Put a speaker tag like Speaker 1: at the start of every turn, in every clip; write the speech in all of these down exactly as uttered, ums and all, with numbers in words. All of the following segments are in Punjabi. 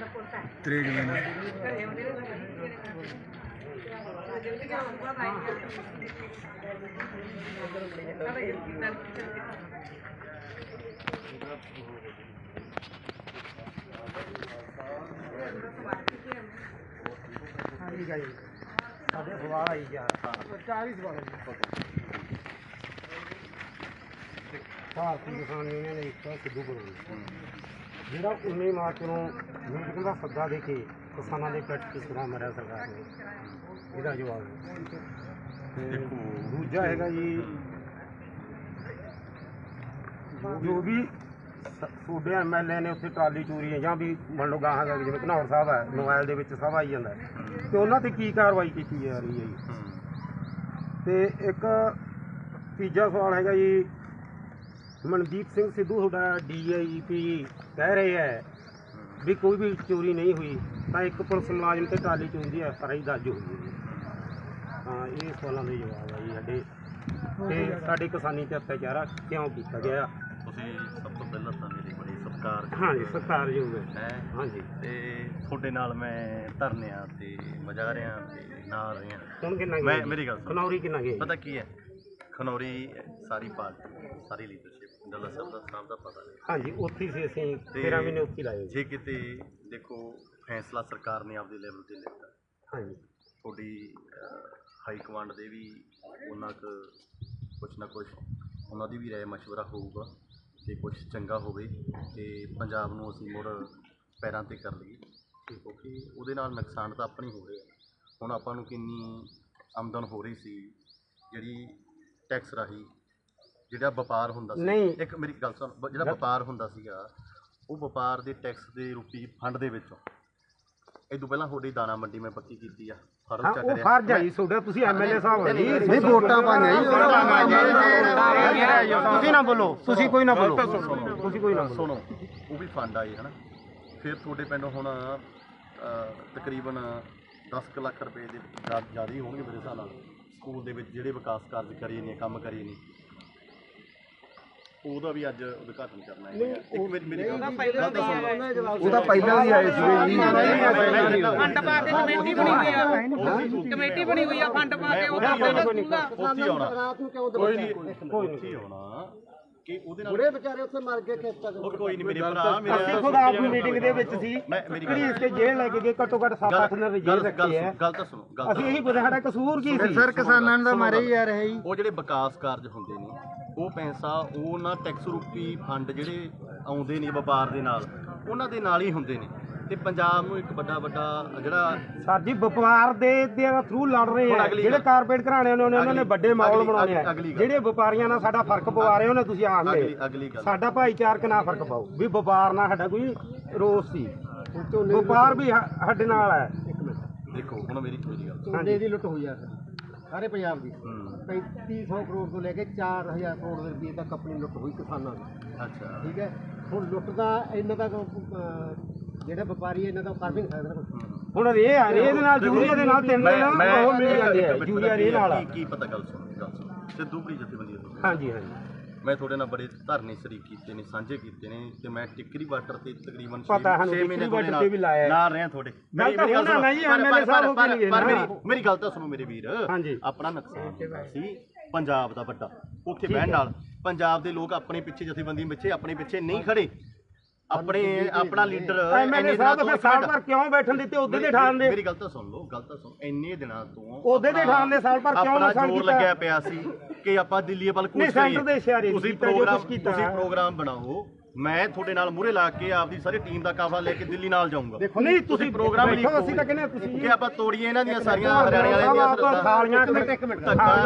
Speaker 1: ਤਰੀਕ ਦੇ ਨਾਲ
Speaker 2: ਸਾਡੇ ਸਵਾਲ ਆਈ ਗਿਆ ਚਾਰ ਹੀ ਸਵਾਲ ਭਾਰਤੀ ਕਿਸਾਨ ਯੂਨੀਅਨ ਨੇ ਇੱਕ ਸਿੱਧੂ ਬਣਾਈ ਜਿਹੜਾ ਉੱਨੀ ਮਾਰਚ ਨੂੰ ਮੀਟਿੰਗ ਦਾ ਸੱਦਾ ਦੇ ਕੇ ਕਿਸਾਨਾਂ ਦੇ ਪਿੱਠ ਤੇ ਛੁਰਾ ਮਾਰਿਆ ਸਰਕਾਰ ਨੇ, ਇਹਦਾ ਜਵਾਬ ਤੇ ਦੂਜਾ ਹੈਗਾ ਜੀ ਜੋ ਵੀ ਤੁਹਾਡੇ ਐਮ ਐਲ ਏ ਨੇ ਉੱਥੇ ਟਰਾਲੀ ਚੋਰੀ ਹੈ ਜਾਂ ਵੀ ਮੰਨ ਲਓ ਗਾਹਾਂ ਦਾ ਜਿਵੇਂ ਘਨੌਰ ਸਾਹਿਬ ਹੈ ਮੋਬਾਈਲ ਦੇ ਵਿੱਚ ਸਭ ਆਈ ਜਾਂਦਾ ਤੇ ਉਹਨਾਂ ਤੇ ਕੀ ਕਾਰਵਾਈ ਕੀਤੀ ਜਾ ਰਹੀ ਹੈ ਜੀ। ਤੇ ਇੱਕ ਤੀਜਾ ਸਵਾਲ ਹੈਗਾ ਜੀ ਮਨਦੀਪ ਸਿੰਘ ਸਿੱਧੂ ਤੁਹਾਡਾ ਡੀ ਆਈ ਜੀ ਪੀ ਕਹਿ ਰਹੇ ਹੈ ਵੀ ਕੋਈ ਵੀ ਚੋਰੀ ਨਹੀਂ ਹੋਈ ਤਾਂ ਇੱਕ ਪੁਲਿਸ ਮੁਲਾਜ਼ਮ ਤੇ ਟਰਾਲੀ ਚੋਰੀ ਦੀ ਐਫ ਆਰ ਆਈ ਦਰਜ ਹੋਈ ਹੈ। ਹਾਂ ਇਹ ਸਵਾਲਾਂ ਦੇ ਜਵਾਬ ਆ ਜੀ ਸਾਡੇ ਤੇ ਸਾਡੇ ਕਿਸਾਨੀ ਤੇ ਅਤਿਆਚਾਰ ਕਿਉਂ ਕੀਤਾ ਗਿਆ।
Speaker 3: ਤੁਸੀਂ ਸਭ ਤੋਂ ਪਹਿਲਾਂ ਤਾਂ ਮੇਰੀ ਬੜੀ ਸਤਿਕਾਰ
Speaker 2: ਹਾਂਜੀ ਸਤਿਕਾਰਯੋਗ ਹੈ ਹਾਂਜੀ
Speaker 3: ਤੇ ਤੁਹਾਡੇ ਨਾਲ ਮੈਂ ਧਰਨਿਆਂ ਤੇ ਮਜ਼ਾਰਿਆਂ ਤੇ ਨਾਲ ਰਿਹਾ
Speaker 2: ਹੁਣ ਕਿੰਨਾ
Speaker 3: ਮੈਂ ਮੇਰੀ ਗੱਲ
Speaker 2: ਖਨੌਰੀ ਕਿੰਨਾ ਗਿਆ
Speaker 3: ਪਤਾ ਕੀ ਹੈ ਖਨੌਰੀ ਸਾਰੀ ਪਾਰਟੀ ਸਾਰੀ ਲੀਡਰਸ਼ਿਪ ਡੱਲਾ ਸਾਹਿਬ ਦਾ ਸਾਹਿਬ ਦਾ ਪਤਾ ਨਹੀਂ
Speaker 2: ਹਾਂਜੀ ਉੱਥੇ ਸੀ ਅਸੀਂ ਤੇਰਾਂ ਮਹੀਨੇ ਉੱਥੇ ਲਾਏ
Speaker 3: ਜੇ ਕਿਤੇ ਦੇਖੋ ਫੈਸਲਾ ਸਰਕਾਰ ਨੇ ਆਪਦੇ ਲੈਵਲ ਤੇ ਲਿੱਤਾ
Speaker 2: ਹਾਂਜੀ
Speaker 3: ਤੁਹਾਡੀ ਹਾਈ ਕਮਾਂਡ ਦੇ ਵੀ ਉਹਨਾਂ ਕੁ ਕੁਛ ਨਾ ਕੁਛ ਉਹਨਾਂ ਦੀ ਵੀ ਰਾਏ ਮਸ਼ਵਰਾ ਹੋਊਗਾ ਕਿ ਕੁਛ ਚੰਗਾ ਹੋਵੇ ਕਿ ਪੰਜਾਬ ਨੂੰ ਅਸੀਂ ਮੁੜ ਪੈਰਾਂ 'ਤੇ ਕਰ ਲਈਏ ਕਿਉਂਕਿ ਉਹਦੇ ਨਾਲ ਨੁਕਸਾਨ ਤਾਂ ਆਪਣੀ ਹੋ ਰਿਹਾ। ਹੁਣ ਆਪਾਂ ਨੂੰ ਕਿੰਨੀ ਆਮਦਨ ਹੋ ਰਹੀ ਸੀ ਜਿਹੜੀ ਟੈਕਸ ਰਾਹੀਂ ਜਿਹੜਾ ਵਪਾਰ ਹੁੰਦਾ ਸੀ
Speaker 2: ਨਹੀਂ
Speaker 3: ਇੱਕ ਮੇਰੀ ਗੱਲ ਸੁਣ ਜਿਹੜਾ ਵਪਾਰ ਹੁੰਦਾ ਸੀਗਾ ਉਹ ਵਪਾਰ ਦੇ ਟੈਕਸ ਦੇ ਰੂਪੀ ਫੰਡ ਦੇ ਵਿੱਚੋਂ ਇਹ ਤੋਂ ਪਹਿਲਾਂ ਤੁਹਾਡੀ ਦਾਣਾ ਮੰਡੀ ਮੈਂ ਪੱਕੀ ਕੀਤੀ ਆ ਫਰਜ਼ ਚੱਕ ਰਿਹਾ
Speaker 2: ਫਰਜ਼ ਆਈ ਤੁਹਾਡਾ ਤੁਸੀਂ ਐਮ ਐਲ ਏ ਸਾਹਿਬ ਹੋ ਜੀ
Speaker 1: ਨਹੀਂ ਵੋਟਾਂ ਪਾਈਆਂ ਜੀ
Speaker 2: ਤੁਸੀਂ ਨਾ ਬੋਲੋ ਤੁਸੀਂ ਕੋਈ ਨਾ ਬੋਲੋ ਤੁਸੀਂ ਕੋਈ ਨਾ
Speaker 3: ਸੁਣੋ ਉਹ ਵੀ ਫੰਡ ਆਏ ਹਨਾ ਫਿਰ ਤੁਹਾਡੇ ਪਿੰਡ ਹੁਣ ਤਕਰੀਬਨ ਦਸ ਕੁ ਲੱਖ ਰੁਪਏ ਦੇ ਜ਼ਿਆਦਾ ਹੀ ਹੋਣਗੇ ਮੇਰੇ ਹਿਸਾਬ ਨਾਲ ਸਕੂਲ ਦੇ ਵਿੱਚ ਜਿਹੜੇ ਵਿਕਾਸ ਕਾਰਜ ਕਰੀਏ ਨੇ ਕੰਮ ਕਰੀਏ ਨੇ ਉਹਦਾ ਵੀ ਅੱਜ ਉਦਘਾਟਨ ਕਰਨਾ ਹੈ ਇੱਕ ਮੇਰੀ ਮੇਰੀ ਗੱਲ
Speaker 1: ਉਹ ਤਾਂ ਪਹਿਲਾਂ ਹੀ ਆਏ ਸੀ ਜੀ
Speaker 4: ਫੰਡ ਪਾ ਕੇ ਕਮੇਟੀ ਬਣੀ ਹੋਈ ਆ ਕਮੇਟੀ ਬਣੀ ਹੋਈ ਆ ਫੰਡ ਪਾ ਕੇ ਉਹਦਾ
Speaker 3: ਉੱਥੇ ਆਉਣਾ
Speaker 2: ਰਾਤ ਨੂੰ ਕਿਉਂ
Speaker 3: ਕੋਈ ਨਹੀਂ ਕੋਈ ਨਹੀਂ ਆਉਣਾ ਕਿ ਉਹਦੇ ਨਾਲ
Speaker 2: ਬੁੜੇ ਵਿਚਾਰੇ ਉੱਥੇ ਮਰ ਗਏ ਖੇਤਾਂ
Speaker 3: ਉਹ ਕੋਈ ਨਹੀਂ ਮੇਰੇ ਭਰਾ ਮੇਰੇ
Speaker 2: ਅਸੀਂ ਖੁਦ ਆਪ ਮੀਟਿੰਗ ਦੇ ਵਿੱਚ ਸੀ ਕਿਹੜੀ ਇਸ ਤੇ ਜੇਲ੍ਹ ਲੈ ਕੇ ਗਏ ਘੱਟੋ ਘੱਟ ਸੱਤ ਅੱਠ ਦਿਨ ਜੇਲ੍ਹ ਰੱਖੀ ਹੈ
Speaker 3: ਗੱਲ ਤਾਂ ਸੁਣੋ ਗੱਲ
Speaker 2: ਅਸੀਂ ਇਹੀ ਪੁੱਛਿਆ ਸਾਡਾ ਕਸੂਰ ਕੀ ਸੀ
Speaker 1: ਸਰ ਕਿਸਾਨਾਂ ਦਾ ਮਾਰੇ ਹੀ ਆ ਰਹੇ ਜੀ
Speaker 3: ਉਹ ਜਿਹੜੇ ਵਿਕਾਸ ਕਾਰਜ ਹੁੰਦੇ ਨੇ ਉਹ ਪੈਸਾ ਉਹਨਾਂ ਟੈਕਸ ਰੂਪੀ ਫੰਡ ਜਿਹੜੇ ਆਉਂਦੇ ਨੇ ਵਪਾਰ ਦੇ ਨਾਲ ਉਹਨਾਂ ਦੇ ਨਾਲ ਹੀ ਹੁੰਦੇ ਨੇ ਤੇ ਪੰਜਾਬ ਨੂੰ ਇੱਕ ਵੱਡਾ ਵੱਡਾ ਜਿਹੜਾ
Speaker 2: ਸਰ ਜੀ ਵਪਾਰ ਦੇ ਦੇ ਥਰੂ ਲੜ ਰਹੇ ਆ ਜਿਹੜੇ ਕਾਰਪੋਰੇਟ ਘਰਾਣੇ ਨੇ ਉਹਨਾਂ ਨੇ ਵੱਡੇ ਮਾਹੌਲ ਬਣਾਉਣੇ ਆ ਜਿਹੜੇ ਵਪਾਰੀਆਂ ਨਾਲ ਸਾਡਾ ਫਰਕ ਪਵਾ ਰਹੇ ਉਹਨੇ ਤੁਸੀਂ ਆਖਦੇ
Speaker 3: ਅਗਲੀ ਗੱਲ
Speaker 2: ਸਾਡਾ ਭਾਈਚਾਰਕ ਨਾਲ ਫਰਕ ਪਾਓ ਵੀ ਵਪਾਰ ਨਾਲ ਸਾਡਾ ਕੋਈ ਰੋਸ ਸੀ ਵਪਾਰ ਵੀ ਸਾਡੇ ਨਾਲ ਹੈ। ਇੱਕ ਮਿੰਟ
Speaker 3: ਦੇਖੋ ਹੁਣ ਮੇਰੀ ਮੇਰੀ ਗੱਲ
Speaker 2: ਝੋਨੇ ਦੀ ਲੁੱਟ ਹੋਈ ਆ ਸਾਰੇ ਪੰਜਾਬ ਦੀ ਪੈਂਤੀ ਸੌ ਕਰੋੜ ਤੋਂ ਲੈ ਕੇ ਚਾਰ ਹਜ਼ਾਰ ਕਰੋੜ ਰੁਪਏ ਤੱਕ ਆਪਣੀ ਲੁੱਟ ਹੋਈ ਕਿਸਾਨਾਂ ਦੀ।
Speaker 3: ਅੱਛਾ
Speaker 2: ਠੀਕ ਹੈ ਹੁਣ ਲੁੱਟ ਦਾ ਇਹਨਾਂ ਦਾ ਜਿਹੜੇ ਵਪਾਰੀ ਇਹਨਾਂ ਦਾ ਕਰ ਵੀ ਨਹੀਂ ਸਕਦਾ ਹੁਣ ਰੇ ਆ ਰੇ ਦੇ ਨਾਲ ਯੂਰੀਆ ਦੇ ਨਾਲ ਤਿੰਨ ਦਿਨ ਉਹ ਮਿਲ ਜਾਂਦੇ ਆ ਯੂਰੀਆ ਰੇ ਨਾਲ
Speaker 3: ਕੀ ਪਤਾ ਗੱਲ ਸੁਣ ਗੱਲ ਸੁਣ ਸਿੱਧੂ ਕੀ ਜਥੇਬੰਦੀ ਹੈ
Speaker 2: ਹਾਂਜੀ ਹਾਂਜੀ
Speaker 3: ਮੈਂ ਤੁਹਾਡੇ ਨਾਲ ਬੜੇ ਧਰਨੇ ਸ਼ਰੀਕ ਕੀਤੇ ਨੇ ਸਾਂਝੇ ਕੀਤੇ ਨੇ ਤੇ ਮੈਂ ਟਿੱਕਰੀ ਬਾਰਡਰ ਤੇ ਤਕਰੀਬਨ
Speaker 2: ਪਤਾ ਸਾਨੂੰ
Speaker 3: ਛੇ ਮਹੀਨੇ
Speaker 2: ਟਿੱਕਰੀ ਬਾਰਡਰ ਤੇ ਵੀ ਲਾਇਆ
Speaker 3: ਨਾਲ ਰਿਹਾ ਤੁਹਾਡੇ
Speaker 2: ਮੇਰੀ ਮੇਰੀ ਗੱਲ ਸੁਣੋ ਨਹੀਂ ਐਮਐਲਏ ਸਾਹਿਬ ਹੋ ਕੇ ਨਹੀਂ
Speaker 3: ਪਰ ਮੇਰੀ ਮੇਰੀ ਗੱਲ ਤਾਂ ਸੁਣੋ ਮੇਰੇ ਵੀਰ
Speaker 2: ਹਾਂਜੀ
Speaker 3: ਆਪਣਾ ਨੁਕਸਾਨ ਹੁੰਦਾ ਸੀ ਪੰਜਾਬ ਦਾ ਵੱਡਾ ਉੱਥੇ ਬਹਿਣ ਨਾਲ ਪੰਜਾਬ ਦੇ ਲੋਕ ਆਪਣੇ ਪਿੱਛੇ ਜਥੇਬੰਦੀ ਪਿੱਛੇ ਆਪਣੇ ਪਿੱਛੇ ਨਹੀਂ ਖੜੇ ਆਪਣੇ ਆਪਣਾ ਲੀਡਰ
Speaker 2: ਐਮਐਲਏ ਸਾਹਿਬ ਤਾਂ ਸਾਲ ਭਰ ਕਿਉਂ ਬੈਠਣ ਦਿੱਤੇ ਉਹਦੇ ਦੇ ਠਾਣ ਦੇ
Speaker 3: ਮੇਰੀ ਗੱਲ ਤਾਂ ਸੁਣ ਲਓ ਗੱਲ ਤਾਂ ਸੁਣ ਇੰਨੇ ਦਿਨਾਂ ਤੋਂ
Speaker 2: ਉਹਦੇ ਦੇ ਠਾਣ ਦੇ ਸਾਲ ਭਰ ਕਿਉਂ ਨੁਕਸਾਨ
Speaker 3: ਕੀਤਾ ਲੱਗਿਆ ਪਿਆ ਸੀ ਕਿ ਆਪਾਂ ਦਿੱਲੀ ਵੱਲ ਕੂਚ ਕਰੀਏ ਤੁਸੀਂ ਪ੍ਰੋਗਰਾਮ ਤੁਸੀਂ ਪ੍ਰੋਗਰਾਮ ਬਣਾਓ ਮੈਂ ਤੁਹਾਡੇ ਨਾਲ ਮੂਹਰੇ ਲਾ ਕੇ ਆਪਦੀ ਸਾਰੀ ਟੀਮ ਦਾ ਕਾਫਲਾ ਲੈ ਕੇ ਦਿੱਲੀ ਨਾਲ ਜਾਊਂਗਾ
Speaker 2: ਨਹੀਂ ਤੁਸੀਂ
Speaker 3: ਪ੍ਰੋਗਰਾਮ
Speaker 2: ਲਿਖੋ ਅਸੀਂ ਤਾਂ ਕਹਿੰਦੇ ਤੁਸੀਂ
Speaker 3: ਕਿ ਆਪਾਂ ਤੋੜੀਏ ਇਹਨਾਂ ਦੀਆਂ ਸਾਰੀਆਂ ਹਰਿਆਣੇ ਵਾਲਿਆਂ ਦੀਆਂ
Speaker 2: ਥਾਲੀਆਂ ਇੱਕ ਮਿੰਟ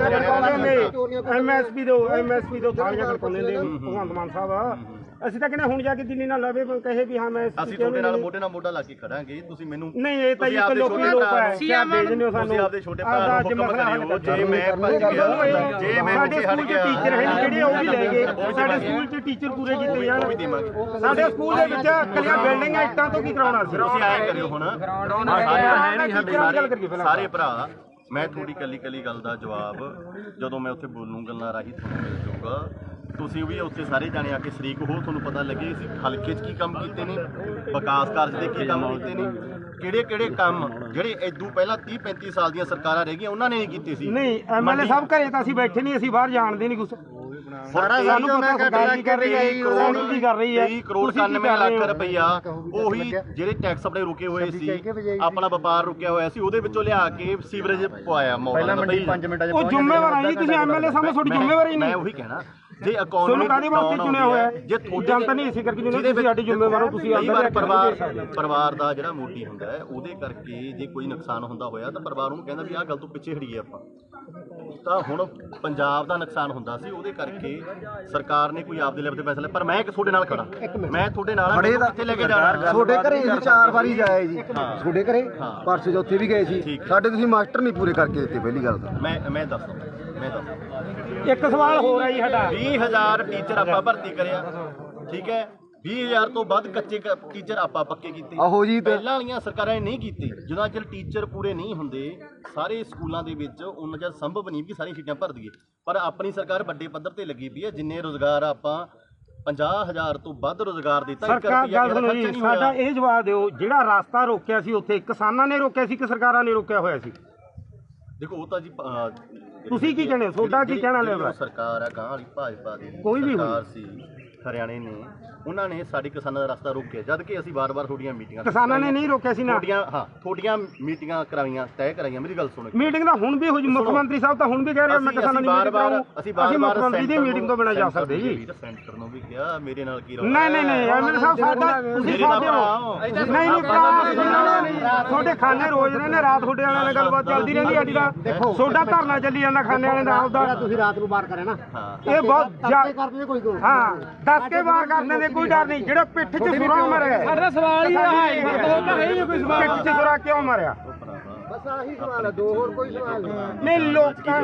Speaker 2: ਐਮਐਸਪੀ ਦੋ ਐਮਐਸਪੀ ਦੋ ਥਾਲੀਆਂ ਖੜਕਾਉਂਦੇ ਨੇ ਭਗਵੰਤ ਮਾਨ ਸਾਹਿਬ ਅਸੀਂ ਤਾਂ ਕਹਿੰਦੇ ਹੁਣ ਜਾ ਕੇ ਦਿੱਲੀ ਨਾਲ ਲਵੇ ਕਹੇ ਵੀ ਹਾਂ ਮੈਂ
Speaker 3: ਅਸੀਂ ਤੁਹਾਡੇ ਨਾਲ ਮੋਢੇ ਨਾਲ ਮੋਢਾ ਲਾ ਕੇ ਖੜਾਂਗੇ ਤੁਸੀਂ ਮੈਨੂੰ
Speaker 2: ਨਹੀਂ ਇਹ ਤਾਂ ਇੱਕ ਲੋਕੀ ਲੋਕ ਹੈ ਕਿਆ ਭੇਜਨੇ ਹੋ ਸਾਨੂੰ
Speaker 3: ਤੁਸੀਂ ਆਪਦੇ ਛੋਟੇ ਭਰਾ ਨੂੰ ਹੁਕਮ ਕਰਿਓ ਜੇ ਮੈਂ ਭੱਜ ਗਿਆ ਜੇ ਮੈਂ
Speaker 2: ਸਾਡੇ ਸਕੂਲ 'ਚ ਟੀਚਰ ਹੈ ਜਿਹੜੇ ਉਹ ਵੀ ਲੈ ਗਏ ਸਾਡੇ ਸਕੂਲ 'ਚ ਟੀਚਰ ਪੂਰੇ ਕੀਤੇ ਜਾਣ ਸਾਡੇ ਸਕੂਲ ਦੇ ਵਿੱਚ ਕੱਲੀਆਂ ਬਿਲਡਿੰਗਾਂ ਇੱਟਾਂ ਤੋਂ ਕੀ ਕਰਾਉਣਾ ਸੀ
Speaker 3: ਤੁਸੀਂ ਆਇਆ ਕਰਿਓ ਹੁਣ ਸਾਰੇ ਭਰਾ ਮੈਂ ਤੁਹਾਡੀ ਕੱਲੀ ਕੱਲੀ ਗੱਲ ਦਾ ਜਵਾਬ ਜਦੋਂ ਮੈਂ ਉੱਥੇ ਬੋਲੂੰ ਗੱਲਾਂ ਰਾਹੀਂ ਤੁਹਾਨੂੰ ਮਿਲ ਜਾਊਗਾ ਤੁਸੀਂ ਵੀ ਉੱਥੇ ਸਾਰੇ ਜਾਣੇ ਆ ਕੇ ਸ਼ਰੀਕ ਹੋ, ਤੁਹਾਨੂੰ ਪਤਾ ਲੱਗੇ ਅਸੀਂ ਹਲਕੇ 'ਚ ਕੀ ਕੰਮ ਕੀਤੇ ਨੇ, ਵਿਕਾਸ ਕਾਰਜ ਦੇ ਕੀ ਕੰਮ ਕੀਤੇ ਨੇ, ਕਿਹੜੇ ਕਿਹੜੇ ਕੰਮ ਜਿਹੜੇ ਇਦੋਂ ਪਹਿਲਾਂ ਤੀਹ ਪੈਂਤੀ ਸਾਲ ਦੀਆਂ ਸਰਕਾਰਾਂ ਰਹਿ ਗਈਆਂ ਉਹਨਾਂ ਨੇ ਨਹੀਂ ਕੀਤੇ ਸੀ।
Speaker 2: ਨਹੀਂ ਐਮਐਲਏ ਸਾਹਿਬ ਘਰੇ ਤਾਂ ਅਸੀਂ ਬੈਠੇ ਨਹੀਂ, ਅਸੀਂ ਬਾਹਰ ਜਾਣਦੇ ਨਹੀਂ ਕੁਛ। ਸਾਰਾ ਸਾਨੂੰ ਪਤਾ ਸਰਕਾਰ ਕੀ ਕਰ ਰਹੀ ਹੈ, ਕਰੋੜ ਕੀ ਕਰ ਰਹੀ ਹੈ,
Speaker 3: ਤੇਈ ਕਰੋੜ ਇਕਾਨਵੇਂ ਲੱਖ ਰੁਪਈਆ ਉਹੀ ਜਿਹੜੇ ਟੈਕਸ ਆਪਣੇ ਰੁਕੇ ਹੋਏ ਸੀ, ਆਪਣਾ ਵਪਾਰ ਰੁਕਿਆ ਹੋਇਆ ਸੀ, ਉਹਦੇ ਵਿੱਚੋਂ ਲਿਆ ਕੇ ਸੀਵਰੇਜ ਪਵਾਇਆ ਮੌਲਾ ਪੰਜ ਮਿੰਟਾਂ 'ਚ।
Speaker 2: ਉਹ ਜ਼ਿੰਮੇਵਾਰ ਆ ਜੀ ਤੁਸੀਂ ਐਮਐਲਏ ਸਾਹਿਬ, ਤੁਹਾਡੀ ਜ਼ਿੰਮੇਵਾਰੀ ਨਹੀਂ।
Speaker 3: ਮੈਂ ਉਹੀ ਕਹਿਣਾ ਜੇ ਅਕਾਊਂਟ
Speaker 2: ਤੁਹਾਨੂੰ ਕਾਹਦੇ ਵਾਸਤੇ ਚੁਣਿਆ ਹੋਇਆ
Speaker 3: ਜੇ ਤੁਹਾਡੀ
Speaker 2: ਜਨਤਾ ਨਹੀਂ ਇਸੇ ਕਰਕੇ ਚੁਣਿਆ, ਤੁਸੀਂ ਸਾਡੀ ਜ਼ਿੰਮੇਵਾਰ ਹੋ। ਤੁਸੀਂ
Speaker 3: ਅੰਦਰ ਪਰਿਵਾਰ ਪਰਿਵਾਰ ਦਾ ਜਿਹੜਾ ਮੋਢੀ ਹੁੰਦਾ ਹੈ ਉਹਦੇ ਕਰਕੇ ਜੇ ਕੋਈ ਨੁਕਸਾਨ ਹੁੰਦਾ ਹੋਇਆ ਤਾਂ ਪਰਿਵਾਰ ਨੂੰ ਕਹਿੰਦਾ ਵੀ ਆਹ ਗੱਲ ਤੋਂ ਪਿੱਛੇ ਹਟੀਏ ਆਪਾਂ। ਤਾਂ ਹੁਣ ਪੰਜਾਬ ਦਾ ਨੁਕਸਾਨ ਹੁੰਦਾ ਸੀ, ਉਹਦੇ ਕਰਕੇ ਸਰਕਾਰ ਨੇ ਕੋਈ ਆਪਦੇ ਲੈਵਲ ਤੇ ਫੈਸਲਾ, ਪਰ ਮੈਂ ਤੁਹਾਡੇ ਨਾਲ ਖੜਾ, ਮੈਂ ਤੁਹਾਡੇ ਨਾਲ ਕਿੱਥੇ ਲੈ ਕੇ ਜਾਣਾ।
Speaker 1: ਤੁਹਾਡੇ ਘਰੇ ਅਸੀਂ ਚਾਰ ਵਾਰੀ ਜਾਏ ਜੀ, ਤੁਹਾਡੇ ਘਰੇ ਪਰਸੋਂ ਚੌਥੇ ਵੀ ਗਏ ਸੀ, ਸਾਡੇ ਤੁਸੀਂ ਮਾਸਟਰ ਨਹੀਂ ਪੂਰੇ ਕਰਕੇ ਦਿੱਤੇ। ਪਹਿਲੀ ਗੱਲ ਤਾਂ
Speaker 3: ਮੈਂ ਮੈਂ ਦੱਸਦਾ ਮੈਂ ਦੱਸਦਾ
Speaker 2: ਇੱਕ ਸਵਾਲ ਹੋਰ ਹੈ ਜੀ ਸਾਡਾ,
Speaker 3: ਵੀਹ ਹਜ਼ਾਰ ਟੀਚਰ ਆਪਾਂ ਭਰਤੀ ਕਰਿਆ, ਠੀਕ ਹੈ, ਵੀਹ ਹਜ਼ਾਰ ਤੋਂ ਵੱਧ ਕੱਚੇ ਟੀਚਰ ਆਪਾਂ ਪੱਕੇ ਕੀਤੇ।
Speaker 1: ਆਹੋ ਜੀ,
Speaker 3: ਪਹਿਲਾਂ ਵਾਲੀਆਂ ਸਰਕਾਰਾਂ ਨੇ ਨਹੀਂ ਕੀਤੇ। ਜਦੋਂ ਚਿਰ ਟੀਚਰ ਪੂਰੇ ਨਹੀਂ ਹੁੰਦੇ ਸਾਰੇ ਸਕੂਲਾਂ ਦੇ ਵਿੱਚ, ਉਹਨਾਂ ਚਿਰ ਸੰਭਵ ਨਹੀਂ ਕਿ ਸਾਰੀਆਂ ਸੀਟਾਂ ਭਰ ਦਈਏ। ਪਰ ਆਪਣੀ ਸਰਕਾਰ ਵੱਡੇ ਪੱਧਰ ਤੇ ਲੱਗੀ ਪਈ ਹੈ, ਜਿੰਨੇ ਰੋਜ਼ਗਾਰ ਆਪਾਂ ਪੰਜਾਹ ਹਜ਼ਾਰ ਤੋਂ ਵੱਧ ਰੋਜ਼ਗਾਰ ਦਿੱਤਾ।
Speaker 2: ਸਰਕਾਰ ਗੱਲ ਸੁਣੋ ਜੀ, ਸਾਡਾ ਇਹ ਜਵਾਬ ਦਿਓ, ਜਿਹੜਾ ਰਸਤਾ ਰੋਕਿਆ ਸੀ ਉੱਥੇ ਕਿਸਾਨਾਂ ਨੇ ਰੋਕਿਆ ਸੀ ਕਿ ਸਰਕਾਰਾਂ ਨੇ ਰੋਕਿਆ ਹੋਇਆ ਸੀ?
Speaker 3: ਦੇਖੋ ਉਹ ਤਾਂ ਜੀ
Speaker 2: ਤੁਸੀਂ ਕੀ ਕਹਿੰਦੇ ਹੋ, ਤੁਹਾਡਾ ਕੀ ਕਹਿਣਾ ਲੈਵਾ?
Speaker 3: ਸਰਕਾਰ ਆ ਗਾਂ ਵਾਲੀ ਭਾਜਪਾ ਦੀ
Speaker 2: ਕੋਈ ਵੀ
Speaker 3: ਸਰਕਾਰ ਸੀ ਹਰਿਆਣੇ ਨੇ, ਉਹਨਾਂ ਨੇ ਸਾਡੀ ਕਿਸਾਨਾਂ ਦਾ ਰਸਤਾ ਰੋਕਿਆ, ਜਦ ਕਿ ਅਸੀਂ ਵਾਰ-ਵਾਰ ਤੁਹਾਡੀਆਂ ਮੀਟਿੰਗਾਂ
Speaker 2: ਕਿਸਾਨਾਂ ਨੇ ਨਹੀਂ ਰੋਕਿਆ ਸੀ ਨਾ।
Speaker 3: ਤੁਹਾਡੀਆਂ ਹਾਂ ਤੁਹਾਡੀਆਂ ਮੀਟਿੰਗਾਂ ਕਰਾਈਆਂ, ਤੈਅ ਕਰਾਈਆਂ। ਮੇਰੀ ਗੱਲ ਸੁਣੋ,
Speaker 2: ਮੀਟਿੰਗ ਤਾਂ ਹੁਣ ਵੀ ਹੋ ਜੀ, ਮੁੱਖ ਮੰਤਰੀ ਸਾਹਿਬ ਤਾਂ ਹੁਣ ਵੀ ਕਹਿ ਰਹੇ ਮੈਂ ਕਿਸਾਨਾਂ ਦੀ ਮੀਟਿੰਗ ਕਰਾਉਂ।
Speaker 3: ਅਸੀਂ
Speaker 2: ਮੁੱਖ ਮੰਤਰੀ ਦੀ ਮੀਟਿੰਗ ਤੋਂ ਬਿਨਾਂ ਜਾ ਸਕਦੇ ਜੀ।
Speaker 3: ਸੈਂਟਰ ਨੂੰ ਵੀ ਕਿਹਾ, ਮੇਰੇ ਨਾਲ ਕੀ
Speaker 2: ਨਹੀਂ ਨਹੀਂ ਨਹੀਂ ਐਮਐਲਏ ਸਾਹਿਬ ਸਾਡਾ ਤੁਸੀਂ ਸਾਡੇ ਹੋ। ਨਹੀਂ ਨਹੀਂ ਭਰਾ, ਤੁਹਾਡੇ ਖਾਨੇ ਰੋਜ਼ ਨੇ, ਰਾਤ ਤੁਹਾਡੇ ਵਾਲਿਆਂ ਨਾਲ ਗੱਲਬਾਤ ਚੱਲਦੀ ਰਹਿੰਦੀ ਅੱਜ ਦਾ। ਤੁਹਾਡਾ ਧਰਨਾ ਚੱਲੀ ਜਾਂਦਾ ਖਾਨੇ ਵਾਲਿਆਂ ਦਾ ਆਪਦਾ,
Speaker 1: ਤੁਸੀਂ ਰਾਤ ਨੂੰ ਬਾਹਰ ਕਰੇ ਨਾ,
Speaker 2: ਇਹ ਬਹੁਤ
Speaker 1: ਕਰਦੇ ਕੋਈ ਕੋਈ
Speaker 2: ਹਾਂ ਦੱਸ ਕੇ ਵਾਰ ਕਰਦੇ ਨੇ, ਕੋਈ ਡਰ ਨਹੀਂ। ਜਿਹੜਾ ਪਿੱਠ 'ਚ ਸੁਰਾ ਮਾਰਿਆ, ਸਾਡਾ ਸਵਾਲ ਹੀ ਹੈ ਕੋਈ ਸਵਾਲ, ਪਿੱਠ 'ਚ ਸੁਰਾ ਕਿਉਂ ਮਾਰਿਆ?
Speaker 1: ਬਸ ਆਹੀ ਸਵਾਲ ਹੈ, ਦੋ ਹੋਰ ਕੋਈ ਸਵਾਲ ਨਹੀਂ।
Speaker 2: ਨਹੀਂ ਲੋਕਾਂ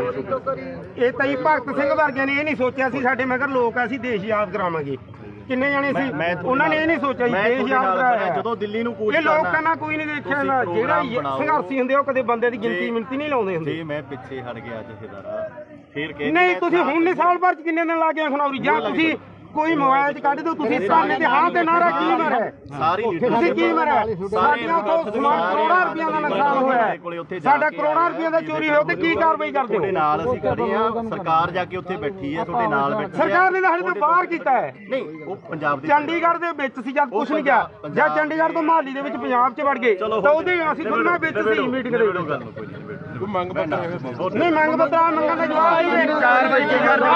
Speaker 2: ਇਹ ਤਾਂ ਹੀ ਭਗਤ ਸਿੰਘ ਵਰਗਿਆਂ ਨੇ ਇਹ ਨਹੀਂ ਸੋਚਿਆ ਸੀ ਸਾਡੇ ਮਗਰ ਲੋਕ ਆ, ਅਸੀਂ ਦੇਸ਼ ਯਾਦ ਕਰਾਵਾਂਗੇ। ਕਿੰਨੇ ਜਾਣੇ ਸੀ ਉਹਨਾਂ ਨੇ ਇਹ ਨਹੀਂ ਸੋਚਿਆ ਜੀ ਦੇਸ਼ ਯਾਦ ਕਰਾਇਆ।
Speaker 3: ਜਦੋਂ ਦਿੱਲੀ ਨੂੰ ਕੂਚ
Speaker 2: ਇਹ ਲੋਕਾਂ ਨਾਲ ਕੋਈ ਨਹੀਂ ਦੇਖਿਆ ਨਾ, ਜਿਹੜਾ ਸੰਘਰਸ਼ੀ ਹੁੰਦੇ ਉਹ ਕਦੇ ਬੰਦੇ ਦੀ ਗਿਣਤੀ ਮਿੰਤੀ ਨਹੀਂ ਲਾਉਂਦੇ ਹੁੰਦੇ।
Speaker 3: ਜੇ ਮੈਂ ਪਿੱਛੇ ਹਟ ਗਿਆ ਜਥੇਦਾਰਾ ਫੇਰ ਕਹਿ
Speaker 2: ਨਹੀਂ ਤੁਸੀਂ ਹੁਣ ਨਹੀਂ ਸਾਲ ਭਰ ਚ ਕਿੰਨੇ ਦਿਨ ਲਾ ਕੇ ਖਣੌਰੀ, ਜਾਂ ਤੁਸੀਂ ਕੋਈ ਮੋਬਾਈਲ 'ਚ ਕੱਢ ਦਿਓ, ਤੁਸੀਂ ਸਾਨੇ ਦੇ ਹਾਂ ਤੇ ਨਾਰਾ ਕੀ ਮਾਰਿਆ?
Speaker 3: ਸਾਰੀ
Speaker 2: ਤੁਸੀਂ ਕੀ ਮਾਰਿਆ? ਸਾਡੀਆਂ ਤੋਂ ਸਮਾਨ ਕਰੋੜਾਂ ਰੁਪਈਆ ਦਾ ਨੁਕਸਾਨ ਹੋਇਆ, ਸਾਡਾ ਕਰੋੜਾਂ ਰੁਪਈਆ ਦਾ ਚੋਰੀ ਹੋਇਆ, ਤੇ ਕੀ ਕਾਰਵਾਈ ਕਰਦੇ ਹੋ?
Speaker 3: ਤੁਹਾਡੇ ਨਾਲ ਅਸੀਂ ਖੜੇ ਆ, ਸਰਕਾਰ ਜਾ ਕੇ ਉੱਥੇ ਬੈਠੀ ਹੈ, ਤੁਹਾਡੇ ਨਾਲ ਬੈਠੀ ਹੈ।
Speaker 2: ਸਰਕਾਰ ਨੇ ਤਾਂ ਹਾਲੇ ਤੋਂ ਬਾਹਰ ਕੀਤਾ ਹੈ।
Speaker 3: ਨਹੀਂ ਉਹ ਪੰਜਾਬ ਦੇ
Speaker 2: ਚੰਡੀਗੜ੍ਹ ਦੇ ਵਿੱਚ ਸੀ ਜਦ ਕੁਝ ਨਹੀਂ ਗਿਆ, ਜਾਂ ਚੰਡੀਗੜ੍ਹ ਤੋਂ ਮਹਾਲੀ ਦੇ ਵਿੱਚ ਪੰਜਾਬ 'ਚ ਵੜ ਗਏ ਤਾਂ ਉਹਦੇ ਅਸੀਂ ਦੋਨਾਂ ਵਿੱਚ ਸੀ ਮੀਟਿੰਗ ਦੇ ਵਿੱਚ।
Speaker 3: ਕੋਈ ਮੰਗ ਪੱਤਰ
Speaker 2: ਨਹੀਂ ਮੰਗ ਪੱਤਰ ਮੰਗਣ ਦਾ ਜਵਾਬ ਨਹੀਂ, ਕਾਰਵਾਈ ਕੀ ਕਰਨਾ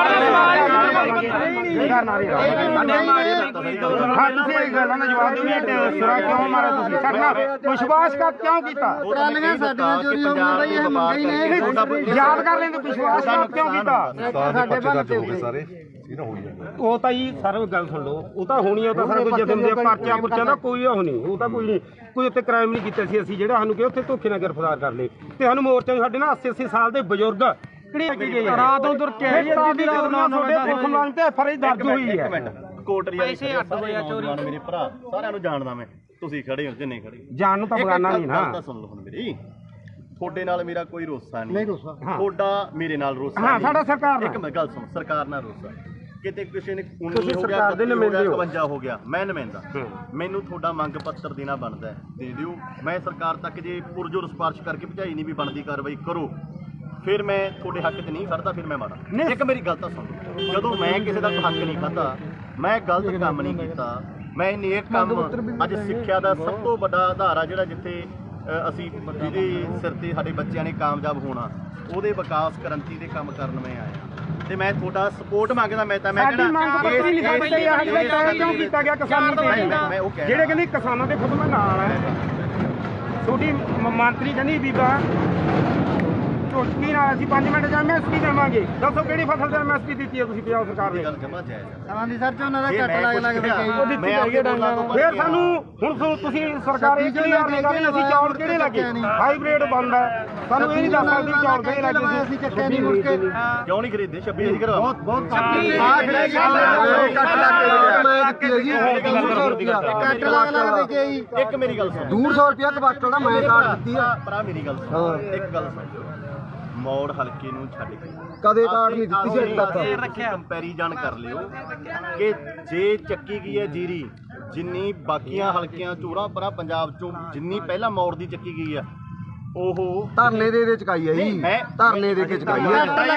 Speaker 2: ਹਾਂ ਤੁਸੀਂ ਇਹ ਗੱਲਾਂ ਦਾ ਜਵਾਬ ਦਿਓ। ਸੁਰਾ ਕਿਉਂ ਮਾਰਿਆ ਤੁਸੀਂ? ਸਾਡਾ ਵਿਸ਼ਵਾਸਘਾਤ ਕਿਉਂ ਕੀਤਾ?
Speaker 1: ਟਰਾਲੀਆਂ ਸਾਡੀਆਂ ਚੋਰੀ ਹੋ ਗਈਆਂ ਬਈ, ਇਹ ਮੰਗਾ ਹੀ ਨਹੀਂ।
Speaker 2: ਯਾਦ ਕਰ ਲੈਂਦੇ ਵਿਸ਼ਵਾਸਘਾਤ ਕਿਉਂ ਕੀਤਾ?
Speaker 1: ਸਾਡੇ ਬੰਦੇ ਹੋ ਗਏ ਸਾਰੇ।
Speaker 2: ਉਹ ਤਾਂ ਜੀ ਸਰ ਗੱਲ ਸੁਣ ਲਓ, ਉਹ ਤਾਂ ਹੋਣੀ, ਉਹ ਤਾਂ ਸਾਰਾ ਕੁਝ ਜਦਮ ਦੇ ਪਰਚਾ ਪੁਰਚਾ ਦਾ ਕੋਈ ਉਹ ਨਹੀਂ, ਉਹ ਤਾਂ ਕੋਈ ਨਹੀਂ, ਕੋਈ ਉੱਤੇ ਕ੍ਰਾਈਮ ਨਹੀਂ ਕੀਤਾ ਸੀ ਅਸੀਂ, ਜਿਹੜਾ ਸਾਨੂੰ ਕਿ ਉੱਥੇ ਧੋਖੇ ਨਾਲ ਗ੍ਰਿਫਤਾਰ ਕਰ ਲਏ। ਤੇ ਸਾਨੂੰ ਮੋਰਚੇ ਨੂੰ ਸਾਡੇ ਨਾਲ ਅੱਸੀ ਅੱਸੀ ਸਾਲ ਦੇ ਬਜ਼ੁਰਗ ਰਾਤ ਉਧਰ ਕੇ ਫਰਜ਼ ਦਰਜ ਹੋਈ ਹੈ।
Speaker 3: ਕੋਟਰੀ ਪੈਸੇ ਅੱਡ ਹੋਏ ਆ ਚੋਰੀ, ਮੇਰੇ ਭਰਾ ਸਾਰਿਆਂ ਨੂੰ ਜਾਣਦਾ ਮੈਂ, ਤੁਸੀਂ ਖੜੇ ਹੋ ਜਿੰਨੇ ਖੜੇ
Speaker 2: ਜਾਣ ਨੂੰ ਤਾਂ ਬਗਾਨਾ ਨਹੀਂ ਨਾ।
Speaker 3: ਤਾਂ ਸੁਣ ਲਓ ਹੁਣ ਮੇਰੀ, ਤੁਹਾਡੇ ਨਾਲ ਮੇਰਾ ਕੋਈ ਰੋਸਾ ਨਹੀਂ, ਤੁਹਾਡਾ ਮੇਰੇ ਨਾਲ ਰੋਸਾ
Speaker 2: ਹਾਂ, ਸਾਡਾ ਸਰਕਾਰ
Speaker 3: ਇੱਕ ਮੈਂ ਗੱਲ ਸੁਣ, ਸਰਕਾਰ ਨਾਲ ਰੋਸਾ ਕਿਤੇ ਕਿਸੇ ਨੇ
Speaker 2: ਤੁਸੀਂ ਸਰਕਾਰ ਦੇ ਨੁਮਾਇੰਦੇ ਹੋ,
Speaker 3: ਇਕਵੰਜਾ ਹੋ ਗਿਆ, ਮੈਂ ਨੁਮਾਇੰਦਾ, ਮੈਨੂੰ ਤੁਹਾਡਾ ਮੰਗ ਪੱਤਰ ਦੇਣਾ ਬਣਦਾ, ਦੇ ਦਿਓ। ਮੈਂ ਸਰਕਾਰ ਤੱਕ ਜੇ ਪੁਰਜੋਰ ਸਿਫਾਰਿਸ਼ ਕਰਕੇ ਭਜਾਈ ਨਹੀਂ ਵੀ ਬਣਦੀ ਕਾਰਵਾਈ ਕਰੋ, ਫਿਰ ਮੈਂ ਤੁਹਾਡੇ ਹੱਕ 'ਚ ਨਹੀਂ ਖੜਦਾ, ਫਿਰ ਮੈਂ ਮਾੜਾ। ਇੱਕ ਮੇਰੀ ਗੱਲ ਤਾਂ ਸੁਣ, ਜਦੋਂ ਮੈਂ ਕਿਸੇ ਦਾ ਹੱਕ ਨਹੀਂ ਖਾਧਾ, ਮੈਂ ਗਲਤ ਕੰਮ ਨਹੀਂ ਕੀਤਾ, ਮੈਂ ਨੇਕ ਕੰਮ, ਅੱਜ ਸਿੱਖਿਆ ਦਾ ਸਭ ਤੋਂ ਵੱਡਾ ਆਧਾਰ ਆ ਜਿਹੜਾ ਜਿੱਥੇ ਅਸੀਂ ਜਿਹਦੇ ਸਿਰ ਤੇ ਸਾਡੇ ਬੱਚਿਆਂ ਨੇ ਕਾਮਯਾਬ ਹੋਣਾ, ਉਹਦੇ ਵਿਕਾਸ ਕ੍ਰਾਂਤੀ ਦੇ ਕੰਮ ਕਰਨ ਮੈਂ ਆਇਆ, ਤੇ ਮੈਂ ਤੁਹਾਡਾ ਸਪੋਰਟ ਮੰਗਦਾ। ਮੈਂ ਤਾਂ ਮੈਂ
Speaker 2: ਕਿਉਂ ਕੀਤਾ ਗਿਆ ਕਿਸਾਨਾਂ ਤੇ, ਜਿਹੜੇ ਕਹਿੰਦੇ ਕਿਸਾਨਾਂ ਦੇ ਖੁਦ ਮੈਂ ਨਾਲ ਹੈ, ਤੁਹਾਡੀ ਮੰਤਰੀ ਕਹਿੰਦੀ ਬੀਬਾ ਕੀ ਨਾਲ ਅਸੀਂ ਪੰਜ ਮਿੰਟ ਜਾਂ ਐਮਐਸਪੀ ਦੇਵਾਂਗੇ, ਦੱਸੋ ਕਿਹੜੀ ਫਸਲ ਤੇ ਐਮਐਸਪੀ ਦਿੱਤੀ ਹੈ ਤੁਸੀਂ ਪੰਜਾਬ ਸਰਕਾਰ ਨੇ?
Speaker 3: ਗੱਲ ਜਮਾ ਜਾਇਜ਼
Speaker 1: ਸਮਾਂ ਦੀ ਸਰ ਝੋਨਾ ਦਾ ਘੱਟ ਲੱਗ ਲੱਗ
Speaker 2: ਫਿਰ ਸਾਨੂੰ ਹੁਣ ਤੁਸੀਂ ਸਰਕਾਰ ਇਹ ਕਲੀਅਰ ਨਹੀਂ ਕਰਨੀ ਅਸੀਂ ਚੌਲ ਕਿਹੜੇ ਲੱਗੇ, ਹਾਈਬ੍ਰਿਡ ਬੰਦ ਹੈ, ਸਾਨੂੰ ਇਹ ਨਹੀਂ ਦੱਸ ਸਕਦੇ ਚੌਲ ਕਿਹੜੇ ਲੱਗੇ ਸੀ।
Speaker 1: ਚੱਕਿਆ ਨਹੀਂ ਮੁੜ ਕੇ
Speaker 3: ਕਿਉਂ ਨਹੀਂ ਖਰੀਦੇ? ਛੱਬੀ ਅਸੀਂ ਕਰਵਾ ਬਹੁਤ ਬਹੁਤ ਇੱਕ ਮੇਰੀ ਗੱਲ ਸੁਣ,
Speaker 1: ਦੋ ਸੌ ਰੁਪਇਆ ਕਵਾਟਰ ਦਾ ਮੈਂ ਕਾਟ ਦਿੱਤੀ ਆ
Speaker 3: ਭਰਾ, ਮੇਰੀ ਗੱਲ ਸੁਣ, ਇੱਕ ਗੱਲ ਸੁਣ, ਮੌੜ ਹਲਕੇ ਨੂੰ ਛੱਡ ਕੇ
Speaker 1: ਕਦੇ ਕਾਰਡ ਨਹੀਂ ਦਿੱਤੀ ਸੀ ਅੱਜ ਤੱਕ।
Speaker 3: ਰੱਖਿਆ ਕੰਪੈਰੀਜ਼ਨ ਕਰ ਲਿਓ ਕਿ ਜੇ ਚੱਕੀ ਗਈ ਹੈ ਜੀਰੀ ਜਿੰਨੀ ਬਾਕੀਆਂ ਹਲਕਿਆਂ ਚੋਰਾਂ ਪਰਾਂ ਪੰਜਾਬ ਚੋਂ ਜਿੰਨੀ ਪਹਿਲਾਂ ਮੌੜ ਦੀ ਚੱਕੀ ਗਈ ਆ ਉਹ
Speaker 1: ਧਰਨੇ ਦੇ ਦੇ ਚਕਾਈ ਹੈ ਜੀ,
Speaker 3: ਮੈਂ-
Speaker 1: ਧਰਨੇ ਦੇ ਕੇ ਚਕਾਈ ਹੈ।
Speaker 3: ਕੱਟ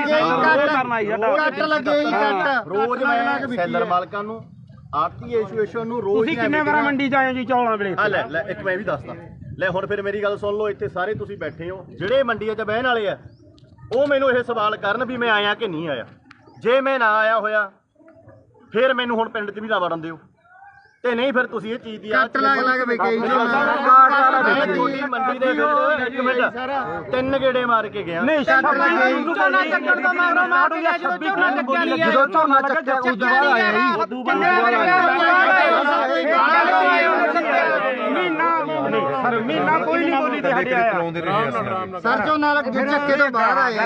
Speaker 3: ਲੱਗੇ ਕੱਟ ਰੋਜ਼ ਮੈਂ ਸੈਲਰ ਮਾਲਕਾਂ ਨੂੰ ਆਰਟੀ ਐਸੋਸੀਏਸ਼ਨ ਨੂੰ ਰੋਜ਼
Speaker 2: ਤੁਸੀਂ ਕਿੰਨੇ ਵਾਰ ਮੰਡੀ ਚ ਆਏ ਹੋ ਜੀ ਚੌਲਾਂ ਵੇਲੇ
Speaker 3: ਆ ਲੈ ਲੈ ਇੱਕ ਮੈਂ ਵੀ ਦੱਸਦਾ ਲੈ ਹੁਣ ਫਿਰ ਮੇਰੀ ਗੱਲ ਸੁਣ ਲਓ ਇੱਥੇ ਸਾਰੇ ਤੁਸੀਂ ਬੈਠੇ ਹੋ ਜਿਹੜੇ ਮੰਡੀਆਂ 'ਚ ਬਹਿਣ ਵਾਲੇ ਆ ਉਹ ਮੈਨੂੰ ਇਹ ਸਵਾਲ ਕਰਨ ਵੀ ਮੈਂ ਆਇਆ ਕਿ ਨਹੀਂ ਆਇਆ। ਜੇ ਮੈਂ ਨਾ ਆਇਆ ਹੋਇਆ ਫਿਰ ਮੈਨੂੰ ਹੁਣ ਪਿੰਡ 'ਚ ਵੀ ਨਾ ਵੜਨ ਦਿਓ ਤੇ ਨਹੀਂ ਫਿਰ ਤੁਸੀਂ ਇਹ ਚੀਜ਼ ਦੀ
Speaker 1: ਕੱਟ ਲੱਗ ਲੱਗ ਵੇਖੇ ਜੀ
Speaker 3: ਮੈਂ ਤੁਹਾਡੀ ਮੰਡੀ ਦੇ ਵਿੱਚ ਇੱਕ ਮਿੰਟ ਤਿੰਨ ਗੇੜੇ ਮਾਰ ਕੇ ਗਿਆ
Speaker 2: ਨਹੀਂ
Speaker 4: ਝੋਨਾ ਚੱਕਣ ਤੋਂ ਮਗਰੋਂ ਮਾਰ ਗਿਆ ਜਦੋਂ ਝੋਨਾ ਚੱਕਿਆ ਨਹੀਂ
Speaker 1: ਜਦੋਂ ਝੋਨਾ ਚੱਕਿਆ ਉਸ ਤੋਂ ਬਾਅਦ ਆਇਆ ਜੀ, ਉਦੋਂ
Speaker 2: ਮਹੀਨਾ ਨਹੀਂ ਸਰ ਮਹੀਨਾ ਕੋਈ ਨਹੀਂ ਬੋਲੀ ਤੇ ਸਾਡੇ ਆਇਆ
Speaker 1: ਸਰ ਝੋਨਾ ਲੱਗ ਚੱਕੇ ਤੋਂ ਬਾਹਰ ਆਇਆ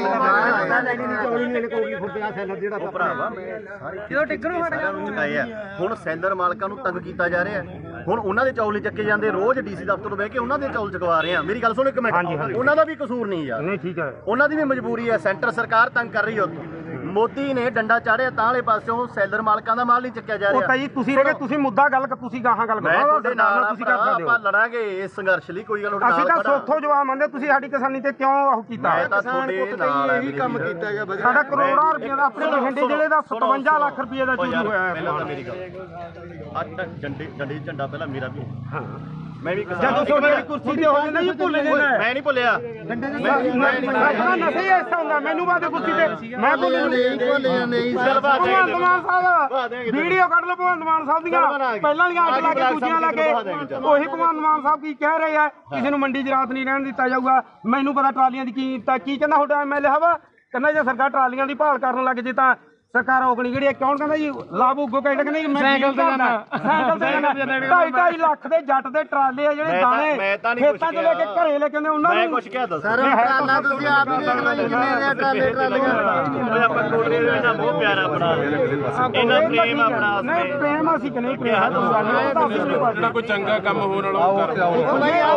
Speaker 3: ਉਹ ਭਰਾਵਾ ਮੈਂ ਸਾਰੇ
Speaker 4: ਜਦੋਂ ਟਿੱਗਰ ਨੂੰ ਹਟ
Speaker 3: ਸਾਰਿਆਂ ਨੂੰ ਚੁਕਾਏ ਆ ਹੁਣ ਸੈਲਰ ਮਾਲਕਾਂ ਨੂੰ ਤੰਗ ਕੀਤਾ ਜਾ ਰਿਹਾ ਹੁਣ ਉਹਨਾਂ ਦੇ ਚੌਲ ਨਹੀਂ ਚੱਕੇ ਜਾਂਦੇ ਰੋਜ਼ ਡੀਸੀ ਦਫ਼ਤਰ ਤੋਂ ਬਹਿ ਕੇ ਉਹਨਾਂ ਦੇ ਚੌਲ ਚੁਕਵਾ ਰਹੇ ਆ। ਮੇਰੀ ਗੱਲ ਸੁਣੋ ਇੱਕ ਮਿੰਟ ਉਹਨਾਂ ਦਾ ਵੀ ਕਸੂਰ ਨਹੀਂ ਯਾਰ,
Speaker 2: ਨਹੀਂ ਠੀਕ ਹੈ
Speaker 3: ਉਹਨਾਂ ਦੀ ਵੀ ਮਜਬੂਰੀ ਹੈ। ਸੈਂਟਰ ਸਰਕਾਰ ਤੰਗ ਕਰ ਰਹੀ ਹੈ ਉੱਥੋਂ ਮੋਦੀ ਨੇ ਡੰਡਾ ਚਾੜਿਆ ਤਾਂ ਵਾਲੇ ਪਾਸਿਓਂ ਸੈਲਰ ਮਾਲਕਾਂ ਦਾ ਮਾਲ ਨਹੀਂ ਚੱਕਿਆ ਜਾ
Speaker 2: ਉਹ
Speaker 3: ਰਿਹਾ।
Speaker 2: ਤਾਂ ਜੀ ਤੁਸੀਂ ਰਹੇ ਤੁਸੀਂ ਮੁੱਦਾ ਗੱਲ ਤੁਸੀਂ ਗਾਹਾਂ ਗੱਲ
Speaker 3: ਮੈਂ
Speaker 2: ਕਰੋ
Speaker 3: ਤੁਹਾਡੇ ਨਾਲ
Speaker 2: ਤੁਸੀਂ ਕਰ ਸਕਦੇ
Speaker 3: ਆਪਾਂ
Speaker 2: ਹੋ।
Speaker 3: ਲੜਾਂਗੇ ਇਸ ਸੰਘਰਸ਼ ਲਈ ਕੋਈ ਗੱਲ
Speaker 2: ਅਸੀਂ ਤਾਂ ਸੋਥੋਂ ਜਵਾਬ ਮੰਨਦੇ ਤੁਸੀਂ ਸਾਡੀ ਕਿਸਾਨੀ ਤੇ ਕਿਉਂ ਉਹ ਕੀਤਾ
Speaker 3: ਮੈਂ ਤਾਂ ਤੁਹਾਡੇ ਨਾਲ
Speaker 1: ਇਹੀ ਕੰਮ ਕੀਤਾ ਗਿਆ ਵਧੀਆ।
Speaker 2: ਸਾਡਾ ਕਰੋੜਾਂ ਰੁਪਏ ਦਾ ਆਪਣੇ ਬਠਿੰਡੇ ਜ਼ਿਲ੍ਹੇ ਦਾ ਸਤਵੰਜਾ ਲੱਖ ਰੁਪਏ ਦਾ ਚੋਰੀ ਹੋਇਆ ਹੈ।
Speaker 3: ਪਹਿਲਾਂ ਤਾਂ ਮੇਰੀ ਗੱਲ ਅੱਜ ਤੱਕ ਝੰਡੇ ਝੰਡੇ ਝੰਡਾ ਪਹਿਲਾਂ ਮੇਰਾ ਵੀ
Speaker 2: ਹਾਂ
Speaker 3: ਮੈਂ ਵੀ
Speaker 2: ਜਦੋਂ ਤੁਹਾਡੀ ਕੁਰਸੀ ਤੇ ਹੋ ਜਾਂਦਾ ਜੀ ਭੁੱਲ ਜਾਂਦਾ
Speaker 3: ਮੈਂ ਨਹੀਂ ਭੁੱਲਿਆ
Speaker 2: ਮੈਂ ਨਸ਼ੇ ਐਸਾ ਹੁੰਦਾ ਮੈਨੂੰ ਬਾਅਦ ਕੁਰਸੀ ਤੇ ਮੈਂ ਭੁੱਲ
Speaker 1: ਨਹੀਂ ਭੁੱਲਿਆ ਨਹੀਂ
Speaker 3: ਚੱਲ ਬਾਤ
Speaker 2: ਭਗਵੰਤ ਮਾਨ ਸਾਹਿਬ ਵੀਡੀਓ ਕੱਢ ਲਓ ਭਗਵੰਤ ਮਾਨ ਸਾਹਿਬ ਦੀਆਂ ਪਹਿਲਾਂ ਵਾਲੀਆਂ ਅੱਡ ਲਾ ਕੇ ਦੂਜੀਆਂ ਲਾ ਕੇ ਉਹੀ ਭਗਵੰਤ ਮਾਨ ਸਾਹਿਬ ਕੀ ਕਹਿ ਰਹੇ ਆ ਕਿਸੇ ਨੂੰ ਮੰਡੀ 'ਚ ਰਾਤ ਨਹੀਂ ਰਹਿਣ ਦਿੱਤਾ ਜਾਊਗਾ। ਮੈਨੂੰ ਪਤਾ ਟਰਾਲੀਆਂ ਦੀ ਕੀ ਤਾਂ ਕੀ ਕਹਿੰਦਾ ਤੁਹਾਡਾ ਐਮਐਲਏ ਹਵਾ ਕਹਿੰਦਾ ਜੇ ਸਰਕਾਰ ਟਰਾਲੀਆਂ ਦੀ ਭਾਲ ਕਰਨ ਲੱਗ ਜੇ ਤਾਂ ਸਰਕਾਰ ਔਗਣੀ ਜਿਹੜੀ ਕੌਣ ਕਹਿੰਦਾ ਜੀ ਲਾਭੂ ਗੋ ਕਹਿੰਦਾ ਕਹਿੰਦਾ ਮੈਂ ਸਾਈਕਲ ਤੇ ਜਾਣਾ ਸਾਈਕਲ ਤੇ ਜਾਣਾ ਢਾਈ ਢਾਈ ਲੱਖ ਦੇ ਜੱਟ ਦੇ ਟਰਾਲੇ ਆ ਜਿਹੜੇ ਦਾਣੇ ਖੇਤਾਂ 'ਚ ਲੈ ਕੇ ਘਰੇ ਲੈ ਕੇ ਆਉਂਦੇ ਉਹਨਾਂ
Speaker 3: ਮੈਂ
Speaker 2: ਨੂੰ
Speaker 3: ਕੁਝ ਕਿਹਾ ਦੱਸ
Speaker 1: ਸਰ ਟਰਾਲਾ ਤੁਸੀਂ ਆਪ ਹੀ ਦੇਖ ਲਓ ਜੀ ਕਿੰਨੇ ਦੇ ਟਰਾਲੇ ਟਰਾਲੀਆਂ
Speaker 3: ਉਹ ਆਪਾਂ ਕੋਟਰੇ ਦੇ ਨਾਲ ਬਹੁਤ ਪਿਆਰਾ ਬਣਾ ਇਹਨਾਂ ਪ੍ਰੇਮ ਆਪਣਾ
Speaker 2: ਨਹੀਂ ਪ੍ਰੇਮ ਅਸੀਂ ਕਿ ਨਹੀਂ ਪ੍ਰੇਮ
Speaker 5: ਜਿਹੜਾ ਕੋਈ ਚੰਗਾ ਕੰਮ ਹੋਣ ਵਾਲਾ ਉਹ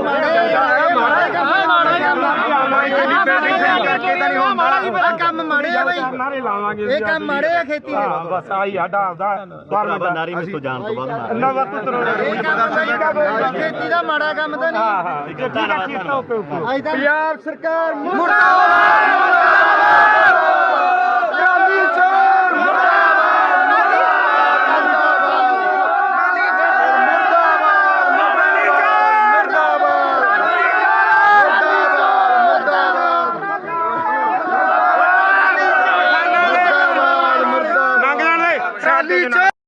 Speaker 5: ਕਰ
Speaker 1: ਕੰਮ ਮਾੜੇ ਆ ਬਈ,
Speaker 2: ਨਾਰੇ ਲਾਵਾਂਗੇ
Speaker 1: ਇਹ ਕੰਮ ਮਾੜੇ ਆ ਖੇਤੀ ਦੇ।
Speaker 2: ਹਾਂ ਬਸ ਆਹੀ ਸਾਡਾ ਆਪਦਾ
Speaker 3: ਭਰਾਵਾ ਨਾਰੀ ਮਿੱਤੋਂ ਜਾਣ ਤੋਂ ਬਾਅਦ ਮਾਰ
Speaker 2: ਅੱਲਾ ਵਕਤ ਤਰੋੜੇ
Speaker 1: ਇਹ ਕੰਮ ਸਹੀ ਖੇਤੀ ਦਾ ਮਾੜਾ ਕੰਮ ਤਾਂ ਨਹੀਂ।
Speaker 2: ਹਾਂ ਹਾਂ ਠੀਕ ਹੈ ਠੀਕ ਹੈ ਓਕੇ ਓਕੇ
Speaker 1: ਪੰਜਾਬ ਸਰਕਾਰ ਮੁਰਦਾਬਾਦ।